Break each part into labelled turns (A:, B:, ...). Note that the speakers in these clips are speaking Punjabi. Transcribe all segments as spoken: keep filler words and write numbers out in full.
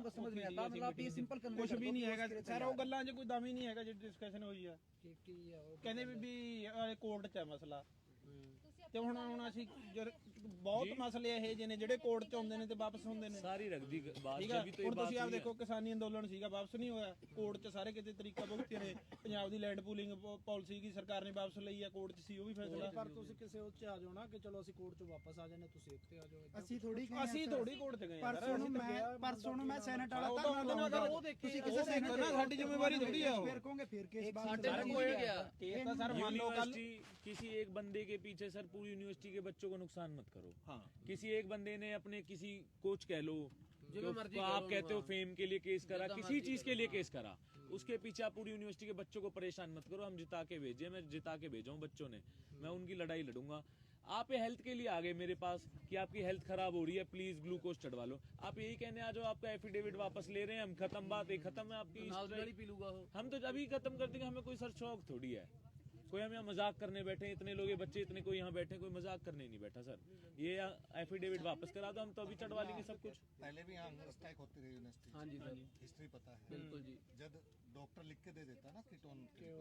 A: को समझ नहीं आता, मतलब आप ये सिंपल
B: ਕੁਝ ਵੀ ਨਹੀਂ ਹੈਗਾ ਸਰ, ਉਹ ਗੱਲਾਂ 'ਚ ਕੋਈ ਦਮ ਹੀ ਨਹੀਂ ਹੈਗਾ ਜਿਹੜੀ ਡਿਸਕਸ਼ਨ ਹੋਈ ਆ। ਕਹਿੰਦੇ ਵੀ ਵੀ ਕੋਰਟ 'ਚ ਹੈ ਮਸਲਾ, ਤੇ ਹੁਣ ਹੁਣ ਅਸੀਂ ਬਹੁਤ ਮਸਲੇ ਇਹ ਜਿਹੇ ਨੇ ਜਿਹੜੇ ਕੋਰਟ 'ਚ ਆਉਂਦੇ ਨੇ ਤੇ ਵਾਪਸ ਹੁੰਦੇ ਨੇ।
C: ਸਾਰੀ ਰੱਖਦੀ ਬਾਤ
B: ਠੀਕ ਹੈ, ਹੁਣ ਤੁਸੀਂ ਆਪ ਦੇਖੋ ਕਿਸਾਨੀ ਅੰਦੋਲਨ ਸੀਗਾ, ਵਾਪਸ ਨਹੀਂ ਹੋਇਆ, ਕੋਰਟ 'ਚ ਸਾਰੇ ਕਿਤੇ ਤਰੀਕਾ ਭੁਗਤੇ ਨੇ। ਪੰਜਾਬ ਦੀ ਲੈਂਡ ਪੂਲਿੰਗ ਪਾਲਿਸੀ ਕੀ ਸਰਕਾਰ ਨੇ ਵਾਪਸ ਲਈ ਆ, ਕੋਰਟ 'ਚ ਸੀ ਉਹ ਵੀ ਫੈਸਲਾ।
D: ਪਰ ਤੁਸੀਂ ਕਿਸੇ ਉੱਚ ਆ ਜਾਓ ਨਾ ਕਿ ਚਲੋ ਅਸੀਂ ਕੋਰਟ 'ਚੋਂ ਵਾਪਸ ਆ ਜਾਂਦੇ, ਤੁਸੀਂ ਇੱਥੇ ਆ ਜਾਓ।
A: ਅਸੀਂ ਥੋੜੀ
B: ਅਸੀਂ ਥੋੜੀ ਕੋਰਟ 'ਚ ਗਏ
A: ਪਰਸੋਂ ਨੂੰ ਮੈਂ ਪਰਸੋਂ ਨੂੰ ਮੈਂ ਸੈਨੇਟ ਵਾਲਾ
B: ਉਹ
A: ਤੁਸੀਂ ਕਿਸੇ ਸੈਨੇਟ
B: ਨਾ, ਸਾਡੀ ਜ਼ਿੰਮੇਵਾਰੀ ਥੋੜੀ ਆ ਉਹ।
A: ਫਿਰ ਕਹੋਗੇ ਫਿਰ ਕੇਸ ਬਾਤ
B: केस तो सर मान लो कल
C: किसी एक बंदे के पीछे सर पूरी यूनिवर्सिटी के बच्चों को नुकसान मत करो।
B: हाँ,
C: किसी एक बंदे ने अपने किसी कोच कह लो जो आप कहते हो फेम के लिए केस करा, किसी चीज के लिए केस करा, उसके पीछे आप पूरी यूनिवर्सिटी के बच्चों को परेशान मत करो। हम जिता के भेजे, मैं जिता के भेजा हूँ बच्चों ने, मैं उनकी लड़ाई लड़ूंगा। आप ये हेल्थ के लिए आ गए मेरे पास कि आपकी हेल्थ खराब हो रही है, प्लीज ग्लूकोज चढ़वा लो। आप यही कहने आ जाओ आपका एफिडेविट वापस ले रहे हैं हम, खत्म बात है, खत्म है आपकी। हम तो अभी खत्म कर देंगे, हमें कोई सर शौक थोड़ी है, कोई हम यहाँ मजाक करने बैठे, इतने लोग ये बच्चे इतने कोई यहाँ बैठे, कोई मजाक करने नहीं बैठा सर। ये एफिडेविट वापस करा दो, हम तो अभी चढ़वा लेंगे सब कुछ।
E: पहले भी यहाँ हंगर स्ट्राइक होती रही यूनिवर्सिटी। हाँ जी सर, हिस्ट्री पता है बिल्कुल जी। जब डॉक्टर लिख के दे देता ना कीटोन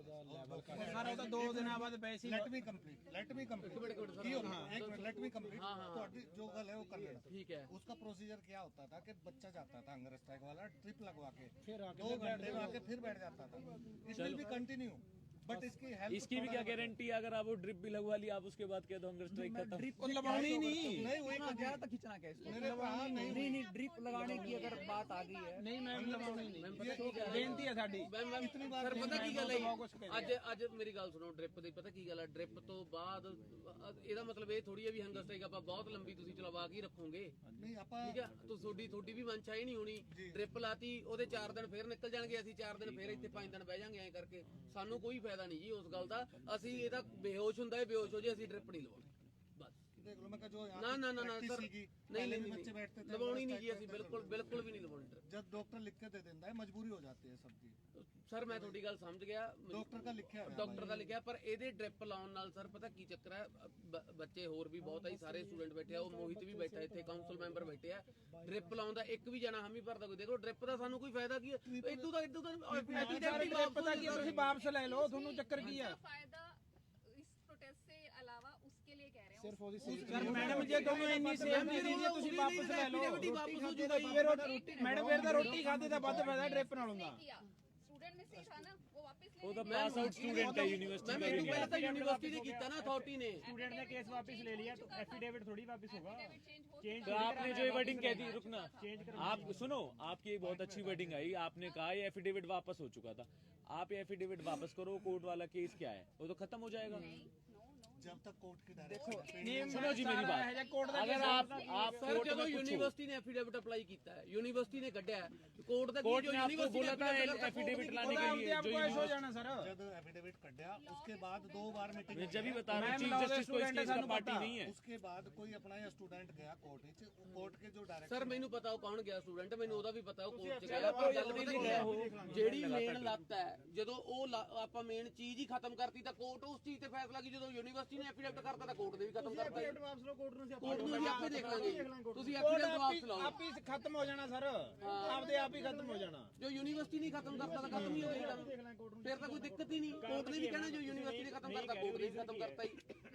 B: सर ਉਹ ਤਾਂ ਦੋ ਦਿਨਾਂ ਬਾਅਦ ਪੈਸੇ
E: let me complete let me complete एक मिनट लेट मी कंप्लीट ਤੁਹਾਡੀ ਜੋ ਗੱਲ ਹੈ ਉਹ ਕਰ ਲੈਣਾ ठीक है। उसका प्रोसीजर क्या होता था कि बच्चा जाता था हंगर स्ट्राइक वाला, ट्रिप लगवा के दो घंटे में आके फिर बैठ जाता था। It will be continue, but इसकी हेल्थ
C: इसकी भी क्या गारंटी है, अगर आप वो ड्रिप भी लगवा ली आप उसके बाद कह दो हंगर स्ट्राइक खत्म।
A: ड्रिप
B: लगवानी नहीं
E: नहीं हुई
A: क्या था, खींचना क्या इसको?
E: मेरे पास नहीं
A: नहीं नहीं ड्रिप लगाने की अगर बात आ गई है,
B: ਨਹੀਂ ਮੈਮ ਲਵਾਉਣੀ ਨਹੀਂ, ਬੇਨਤੀ ਹੈ ਸਾਡੀ।
F: ਸਰ ਪਤਾ ਕੀ ਗੱਲ ਹੈ, ਅੱਜ ਅੱਜ ਮੇਰੀ ਗੱਲ ਸੁਣੋ, ਡ੍ਰਿਪ ਦੀ ਪਤਾ ਕੀ ਗੱਲ ਹੈ, ਡ੍ਰਿਪ ਤੋਂ ਬਾਅਦ ਇਹਦਾ ਮਤਲਬ ਇਹ ਥੋੜੀ ਹੈ ਵੀ ਹੰਗਰ ਸਟ੍ਰਾਈਕ ਆਪਾਂ ਬਹੁਤ ਲੰਬੀ ਤੁਸੀਂ ਚਲਵਾ ਕੇ ਰੱਖੋਗੇ।
E: नहीं आपा
F: ਠੀਕ ਹੈ, ਤੋ ਤੁਹਾਡੀ ਤੁਹਾਡੀ ਵੀ ਮਨਸ਼ਾ ਹੀ ਨਹੀਂ ਹੋਣੀ। ਡ੍ਰਿਪ ਲਾਤੀ, ਉਹਦੇ ਚਾਰ ਦਿਨ ਫੇਰ ਨਿਕਲ ਜਾਣਗੇ, ਅਸੀਂ ਚਾਰ ਦਿਨ ਫੇਰ ਇੱਥੇ ਪੰਜ ਦਿਨ ਬਹਿ ਜਾਾਂਗੇ ਐਂ ਕਰਕੇ। ਸਾਨੂੰ ਕੋਈ ਫਾਇਦਾ ਨਹੀਂ ਜੀ ਉਸ ਗੱਲ ਦਾ। ਅਸੀਂ ਇਹਦਾ ਬੇਹੋਸ਼ ਹੁੰਦਾ ਹੈ, ਬੇਹੋਸ਼ ਹੋ ਜੇ, ਅਸੀਂ ਡ੍ਰਿਪ ਨਹੀਂ ਲਵਾਉਣੀ ਬਸ।
E: देख लो मैं कहा जो यहाँ
F: ਨਾ ਨਾ ਨਾ ਨਾ
E: practice
F: ਸਰ,
E: सीखी,
F: ਨਹੀਂ
E: पहले भी
F: ਨਹੀਂ
E: बच्चे बैठते थे
F: ਲਵਾਉਣੀ ਨਹੀਂ ਜੀ, ਅਸੀਂ ਬਿਲਕੁਲ ਬਿਲਕੁਲ ਵੀ ਨਹੀਂ ਲਵਾਉਣੀ ਡ੍ਰਿਪ।
E: जब डॉक्टर लिख के दे देता है मजबूरी हो जाती है सबकी।
F: ਸਰ ਮੈਂ ਤੁਹਾਡੀ ਗੱਲ ਸਮਝ ਗਿਆ,
E: डॉक्टर का लिखा है
F: ਡਾਕਟਰ ਦਾ ਲਿਖਿਆ, ਪਰ ਇਹਦੇ ਡ੍ਰਿਪ ਲਾਉਣ ਨਾਲ ਸਰ ਪਤਾ ਕੀ ਚੱਕਰ ਹੈ, ਬ- ਬੱਚੇ ਹੋਰ ਵੀ ਬਹੁਤ ਆ, ਸਾਰੇ ਸਟੂਡੈਂਟ ਬੈਠੇ ਆ, ਉਹ ਮੋਹਿਤ ਵੀ ਬੈਠਾ ਇੱਥੇ, ਕਾਉਂਸਲ ਮੈਂਬਰ ਬੈਠੇ ਆ। ਡ੍ਰਿਪ ਲਾਉਣ ਦਾ ਇੱਕ ਵੀ ਜਣਾ ਹਾਮੀ ਭਰਦਾ ਕੋਈ, ਦੇਖੋ ਡ੍ਰਿਪ ਦਾ ਸਾਨੂੰ ਕੋਈ ਫਾਇਦਾ ਕੀ ਹੈ? ਇਦੋਂ ਦਾ ਇਦੋਂ ਦਾ
B: ਪਤਾ ਕੀ ਤੁਸੀਂ ਵਾਪਸ ਲੈ ਲਓ, ਤੁਹਾਨੂੰ ਚੱਕਰ ਕੀ ਆ?
G: फायदा इस प्रोटेस्ट से अलावा उसके लिए कह रहे हैं।
D: ਸਿਰਫ ਉਹਦੀ
B: ਸਰ ਮੈਡਮ ਜੇ ਤੁਹਾਨੂੰ ਇੰਨੀ ਸੇਫਟੀ ਦੀ ਜੇ ਤੁਸੀਂ ਵਾਪਸ ਲੈ ਲਓ,
F: ਵਾਪਸ ਹੋ ਜੂਗਾ ਜੀ।
B: ਫਿਰ ਮੈਡਮ ਫਿਰ ਤਾਂ ਰੋਟੀ ਖਾਦੇ ਦਾ ਵੱਧ ਫਾਇਦਾ ਡ੍ਰਿਪ ਨਾਲੋਂ ਦਾ।
G: स्टूडेंट में से था ना, वो वापस
C: वो
G: ले
C: तो पास आउट स्टूडेंट है यूनिवर्सिटी
F: ਮੈਂ
C: का
F: ਮੈਨੂੰ
C: भी
F: ਪਹਿਲਾਂ
C: नहीं
F: ਤਾਂ ਯੂਨੀਵਰਸਿਟੀ ਨੇ ਕੀਤਾ ਨਾ, अथॉरिटी ने।
H: स्टूडेंट ने केस वापस ले लिया तो एफिडेविट थोड़ी वापस होगा।
C: है। तो आपने जो वर्डिंग कह दी, रुकना आप सुनो, आपकी एक बहुत अच्छी वर्डिंग आई, आपने कहा ये एफिडेविट वापस हो चुका था। आप ये एफिडेविट वापस करो, कोर्ट वाला केस क्या है वो तो खत्म हो जाएगा।
E: जब तक कोर्ट की डायरेक्शन
C: सुनो जी मेरी बात, अगर आप आप
F: ਸਰ
C: कोर्ट
F: ਜਦੋਂ
C: में पूछो,
F: ਯੂਨੀਵਰਸਿਟੀ ਨੇ ਐਫੀਡੇਵਿਟ ਅਪਲਾਈ ਕੀਤਾ ਹੈ, ਯੂਨੀਵਰਸਿਟੀ ਨੇ ਕੱਢਿਆ, ਕੋਰਟ ਦਾ
C: कोर्ट
F: ਜੋ
C: ने आपको
F: ਯੂਨੀਵਰਸਿਟੀ
C: बोला था एफिडेविट लाने के लिए, जो
B: आपको हो जाना सर।
E: जब एफिडेविट कट गया उसके बाद दो बार मीटिंग
C: मैं जब भी बता रहा हूँ, चीफ जस्टिस को इस केस का पार्टी नहीं है।
E: उसके बाद कोई अपना या स्टूडेंट गया कोर्ट ਵਿੱਚ, कोर्ट के जो डायरेक्टर
F: ਸਰ ਮੈਨੂੰ ਪਤਾ ਉਹ ਕੌਣ ਗਿਆ ਸਟੂਡੈਂਟ, ਮੈਨੂੰ ਉਹਦਾ ਵੀ ਪਤਾ ਉਹ ਕੋਰਟ ਚ ਗਿਆ। ਪਰ ਗੱਲ ਪਤਾ ਕੀ ਹੈ, ਜਿਹੜੀ ਮੇਨ ਲੱਤ ਹੈ, ਜਦੋਂ ਉਹ ਲ- ਆਪਾਂ ਮੇਨ ਚੀਜ਼ ਹੀ ਖਤਮ ਕਰਤੀ ਤਾਂ ਕੋਰਟ ਉਸ ਚੀਜ਼ ਤੇ ਫੈਸਲਾ ਕੀ, ਜਦੋਂ ਯੂਨੀਵਰਸਿਟੀ ਨੇ ਐਫੀਡੇਵਿਟ ਕਰਤਾ ਤਾਂ ਕੋਰਟ ਨੇ ਵੀ ਖਤਮ ਕਰਤਾ।
D: ਵਾਪਸ ਲਓ ਕੋਰਟ ਨੂੰ,
F: ਕੋਰਟ ਨੂੰ ਵੀ ਆਪੇ ਦੇਖ ਲਾਂਗੇ, ਤੁਸੀਂ ਐਫੀਡੇਵਿਟ ਵਾਪਸ ਲਾਓ।
B: ਆਪ ਹੀ ਖਤਮ ਹੋ ਜਾਣਾ ਸਰ, ਆਪਦੇ ਆਪ ਹੀ ਖਤਮ ਹੋ ਜਾਣਾ।
F: ਜੋ ਯੂਨੀਵਰਸਿਟੀ ਨਹੀਂ ਖਤਮ ਕਰਤਾ ਤਾਂ ਖਤਮ ਹੀ ਹੋ ਗਿਆ, ਫਿਰ ਤਾਂ ਕੋਈ ਦਿੱਕਤ ਹੀ ਨਹੀਂ। ਕੋਰਟ ਨੇ ਵੀ ਕਹਿਣਾ ਜੋ ਯੂਨੀਵਰਸਿਟੀ ਨੇ ਖਤਮ ਕਰਤਾ, ਕੋਰਟ ਨੇ ਵੀ ਖਤਮ ਕਰਤਾ ਹੀ।